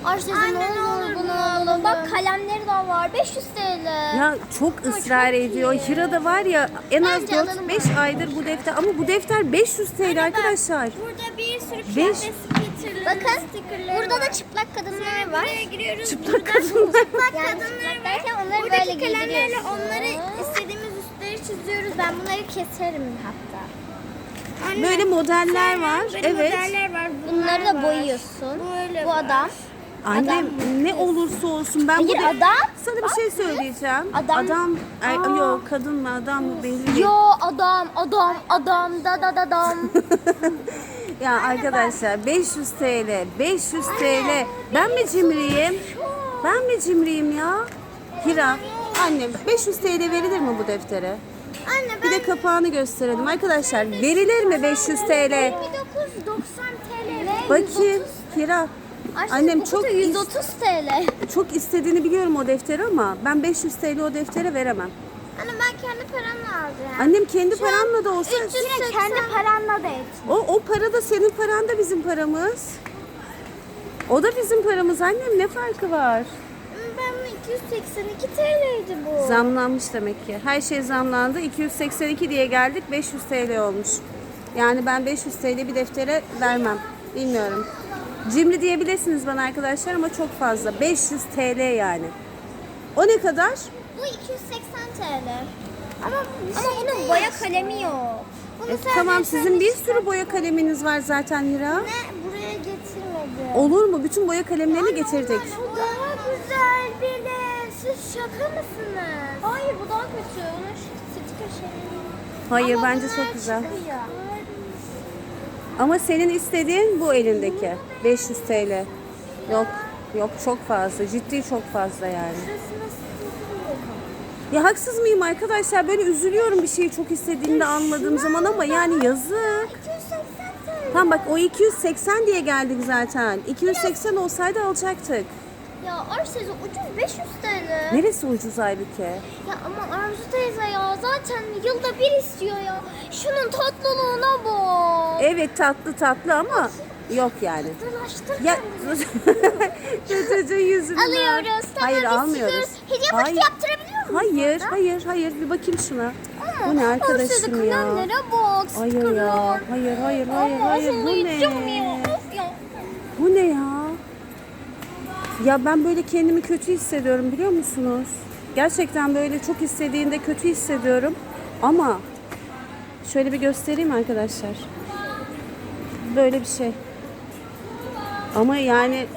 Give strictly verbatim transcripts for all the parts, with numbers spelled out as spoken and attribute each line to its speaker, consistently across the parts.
Speaker 1: Ayşe ne olur bunu alalım. Bak kalemleri de var. beş yüz T L.
Speaker 2: Ya çok ısrar
Speaker 1: çok
Speaker 2: ediyor.
Speaker 1: iyi.
Speaker 2: Hira da var ya en az
Speaker 1: Bence
Speaker 2: dört
Speaker 1: alalım
Speaker 2: beş aydır bu defter. Ama bu defter beş yüz T L arkadaşlar.
Speaker 3: Burada bir sürü
Speaker 2: Beş.
Speaker 3: kıyafet stickerları,
Speaker 1: Bakın
Speaker 3: stickerları
Speaker 1: burada
Speaker 3: var.
Speaker 1: da çıplak kadınlar
Speaker 3: Sonra
Speaker 1: var.
Speaker 3: buraya giriyoruz.
Speaker 2: Çıplak
Speaker 3: Buradan
Speaker 2: kadınlar.
Speaker 3: Çıplak
Speaker 1: Yani
Speaker 3: kadınlar
Speaker 1: çıplak
Speaker 3: var.
Speaker 1: derken onları
Speaker 3: Buradaki
Speaker 1: böyle
Speaker 3: kalemlerle
Speaker 1: giydiriyorsun.
Speaker 3: onları istediğimiz üstleri çiziyoruz.
Speaker 1: Ben bunları keserim hatta.
Speaker 3: Anne,
Speaker 2: Böyle modeller
Speaker 3: sonra
Speaker 2: var.
Speaker 3: böyle
Speaker 2: Evet.
Speaker 3: modeller var. bunlar
Speaker 1: Bunları da
Speaker 3: var.
Speaker 1: boyuyorsun.
Speaker 3: Böyle
Speaker 1: Bu
Speaker 3: var.
Speaker 1: adam.
Speaker 2: Annem ne olursa olsun ben bu
Speaker 1: Hayır,
Speaker 2: de-
Speaker 1: adam.
Speaker 2: sana bir şey söyleyeceğim.
Speaker 1: Adam.
Speaker 2: Adam er,
Speaker 1: Aa.
Speaker 2: yok kadın mı adam mı belli değil.
Speaker 1: Yo adam adam adam da da da dam.
Speaker 2: Ya arkadaşlar beş yüz T L, beş yüz T L. Ben mi cimriyim? Ben mi cimriyim ya? Hira, annem beş yüz T L verilir mi bu deftere?
Speaker 3: Anne
Speaker 2: Bir de kapağını gösterelim arkadaşlar. Verilir mi beş yüz T L?
Speaker 3: yirmi dokuz doksan T L.
Speaker 2: Bakayım Hira.
Speaker 1: Ayşe,
Speaker 2: Annem
Speaker 1: bu
Speaker 2: çok
Speaker 1: kutu yüz otuz T L.
Speaker 2: çok istediğini biliyorum o defteri ama ben beş yüz T L o deftere veremem.
Speaker 3: Anne ben kendi paramla alacağım.
Speaker 2: Annem kendi paranla da olsa
Speaker 3: üç yüz seksen
Speaker 1: Kendi paranla da et.
Speaker 2: o, o para da senin paran da bizim paramız. O da bizim paramız annem, ne farkı var?
Speaker 3: Ben bunu iki yüz seksen iki T L'ydi bu.
Speaker 2: Zamlanmış demek ki. Her şey zamlandı. iki yüz seksen iki diye geldik, beş yüz T L olmuş. Yani ben beş yüz T L bir deftere vermem. Bilmiyorum. Cimri diyebilirsiniz bana arkadaşlar ama çok fazla. beş yüz T L yani. O ne kadar?
Speaker 3: Bu iki yüz seksen T L. Ama,
Speaker 1: Ama bunun boya kalemi yok.
Speaker 3: Bunu
Speaker 2: E,
Speaker 3: sadece
Speaker 2: tamam,
Speaker 3: sen
Speaker 2: sizin bir
Speaker 3: ister-
Speaker 2: sürü boya kaleminiz var zaten Hira.
Speaker 3: Ne? Buraya getirmedi.
Speaker 2: Olur mu? Bütün boya kalemlerini getirdik.
Speaker 3: Bu daha güzel bile. Siz şaka mısınız?
Speaker 1: Hayır bu daha kötü. Onun sticker şey.
Speaker 2: Hayır,
Speaker 3: Ama
Speaker 2: bence
Speaker 3: bunlar
Speaker 2: çok güzel.
Speaker 3: çıkıyor.
Speaker 2: Ama senin istediğin bu elindeki. beş yüz T L. Yok, yok çok fazla. Ciddi çok fazla yani.
Speaker 3: Şurasına sıkıntı.
Speaker 2: Ya haksız mıyım arkadaşlar? Böyle üzülüyorum bir şeyi çok istediğimde anladığım zaman ama yani yazık.
Speaker 3: iki yüz seksen T L.
Speaker 2: Tamam bak, o iki yüz seksen diye geldik zaten. iki yüz seksen olsaydı alacaktık.
Speaker 1: Ya Arzu teyze ucuz beş yüz T L.
Speaker 2: Neresi ucuz halbuki?
Speaker 1: Ya ama Arzu teyze ya zaten yılda bir istiyor ya. Şunun tatlılığına bak.
Speaker 2: Evet, tatlı tatlı ama yok yani.
Speaker 1: Dolaştır
Speaker 2: Ya çocuğun yüzünden.
Speaker 1: Alıyoruz. Tamam,
Speaker 2: Hayır,
Speaker 1: biz
Speaker 2: almıyoruz.
Speaker 1: çıkıyoruz. Hediye
Speaker 2: Hayır.
Speaker 1: paketi yaptırabiliyor muyuz?
Speaker 2: Hayır,
Speaker 1: burada?
Speaker 2: hayır, hayır. Bir bakayım şuna.
Speaker 1: Ama
Speaker 2: Bu ne
Speaker 1: Arzu teyze
Speaker 2: arkadaşım ya?
Speaker 1: kalemlere bak.
Speaker 2: Hayır
Speaker 1: stickerlar.
Speaker 2: ya. Hayır, hayır, hayır,
Speaker 1: Ama
Speaker 2: hayır. Bu
Speaker 1: hazırlayacağım ya.
Speaker 2: ne?
Speaker 1: Of ya.
Speaker 2: Bu ne ya? Ya ben böyle kendimi kötü hissediyorum, biliyor musunuz? Gerçekten böyle çok istediğinde kötü hissediyorum. Ama şöyle bir göstereyim arkadaşlar. Böyle bir şey. Ama yani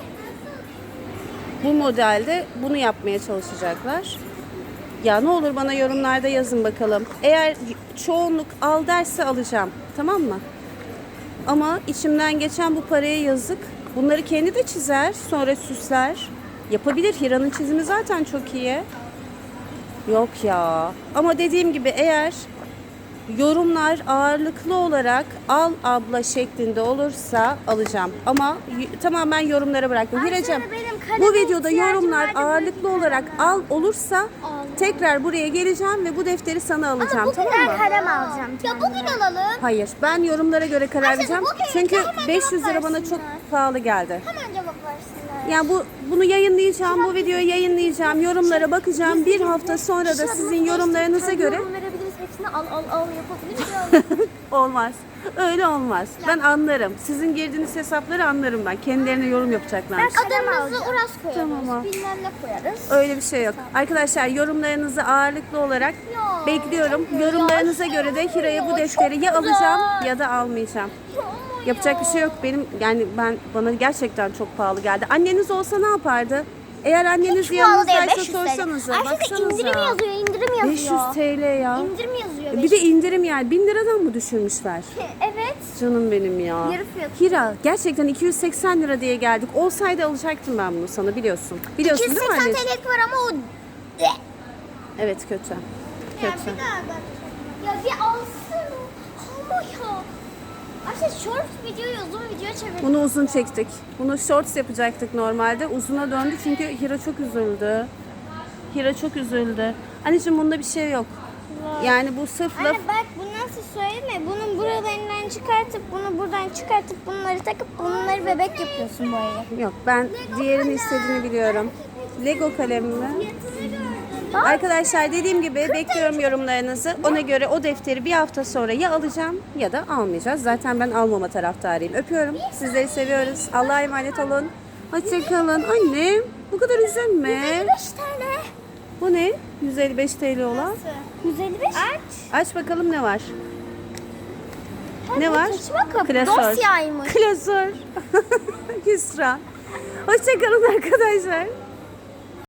Speaker 2: bu modelde bunu yapmaya çalışacaklar. Ya ne olur bana yorumlarda yazın bakalım. Eğer çoğunluk al derse alacağım. Tamam mı? Ama içimden geçen bu paraya yazık. Bunları kendi de çizer, sonra süsler. Yapabilir. Hira'nın çizimi zaten çok iyi. Yok ya. Ama dediğim gibi eğer yorumlar ağırlıklı olarak al abla şeklinde olursa alacağım. Ama y- tamamen yorumlara bıraktım. Hiracığım,
Speaker 3: benim kaleme
Speaker 2: bu videoda
Speaker 3: ihtiyacım
Speaker 2: yorumlar
Speaker 3: vardı,
Speaker 2: ağırlıklı olarak al olursa tekrar buraya geleceğim ve bu defteri sana alacağım. Tamam mı?
Speaker 3: kalem alacağım.
Speaker 1: Ya bugün alalım.
Speaker 2: Hayır, ben yorumlara göre karar vereceğim.
Speaker 1: bugün
Speaker 2: Çünkü
Speaker 1: hemen
Speaker 2: beş yüz lira
Speaker 1: cevap
Speaker 2: bana çok
Speaker 1: versinler.
Speaker 2: pahalı geldi.
Speaker 1: Hemen cevap versinler.
Speaker 2: Yani bu bunu yayınlayacağım, bu videoyu yayınlayacağım, yorumlara bakacağım. Bir hafta sonra da sizin yorumlarınıza göre
Speaker 1: Yorum verebiliriz. Hepsini al al al yapabiliriz.
Speaker 2: olmaz. Öyle olmaz. Ben anlarım. Sizin girdiğiniz hesapları anlarım ben. Kendilerine yorum yapacaklar.
Speaker 1: Adımızı Uras koyarız.
Speaker 2: Tamam.
Speaker 1: Bilmem ne koyarız.
Speaker 2: Öyle bir şey yok. Arkadaşlar, yorumlarınızı ağırlıklı olarak
Speaker 1: Ya,
Speaker 2: bekliyorum.
Speaker 1: ya,
Speaker 2: Yorumlarınıza
Speaker 1: ya,
Speaker 2: göre de
Speaker 1: ya,
Speaker 2: Hira'ya bu
Speaker 1: çok
Speaker 2: defteri ya
Speaker 1: güzel.
Speaker 2: alacağım ya da almayacağım. Yapacak bir şey yok. Benim yani ben bana gerçekten çok pahalı geldi. Anneniz olsa ne yapardı? Eğer anneniz yanınızdaysa sorsanıza.
Speaker 1: Ayşe de indirim
Speaker 2: Baksanıza.
Speaker 1: yazıyor, indirim yazıyor.
Speaker 2: beş yüz T L ya.
Speaker 1: İndirim yazıyor.
Speaker 2: Bir de indirim yani. bin liradan mı düşürmüşler?
Speaker 1: Evet.
Speaker 2: Canım benim ya.
Speaker 1: Yarı fiyatı.
Speaker 2: Hira, gerçekten iki yüz seksen lira diye geldik. Olsaydı alacaktım ben bunu sana, biliyorsun. Biliyorsun değil mi
Speaker 1: iki yüz seksen
Speaker 2: anneciğim?
Speaker 1: T L'lik var ama o...
Speaker 2: Evet, kötü.
Speaker 3: Ya
Speaker 2: Kötü.
Speaker 3: bir daha bak.
Speaker 1: Ya bir alsın. Ama ya. Ayşe short videoyu uzun video çevirdik.
Speaker 2: Bunu uzun çektik. Bunu shorts yapacaktık normalde. Uzuna döndü çünkü Hira çok üzüldü. Hira çok üzüldü. Anneciğim, bunda bir şey yok. Yani bu sırf laf...
Speaker 3: Anne bak bundan
Speaker 1: nasıl söyleme? Bunun buralarından çıkartıp bunu buradan çıkartıp bunları takıp bunları bebek yapıyorsun boyayı.
Speaker 2: Yok, ben diğerini istediğini biliyorum. Lego kalem mi? Arkadaşlar dediğim gibi bekliyorum yorumlarınızı. Ona göre o defteri bir hafta sonra ya alacağım ya da almayacağız. Zaten ben almama taraftarıyım. Öpüyorum. Sizleri seviyoruz. Allah'a emanet olun. Hoşçakalın. Annem bu kadar üzülme.
Speaker 1: yüz elli beş T L.
Speaker 2: Bu ne? yüz elli beş T L olan.
Speaker 1: yüz elli beş. Aç.
Speaker 2: Aç bakalım ne var? Ne var?
Speaker 1: Saçma kapı.
Speaker 2: Klasör.
Speaker 1: Dosyaymış.
Speaker 2: Klasör. Hüsran. Hoşçakalın arkadaşlar.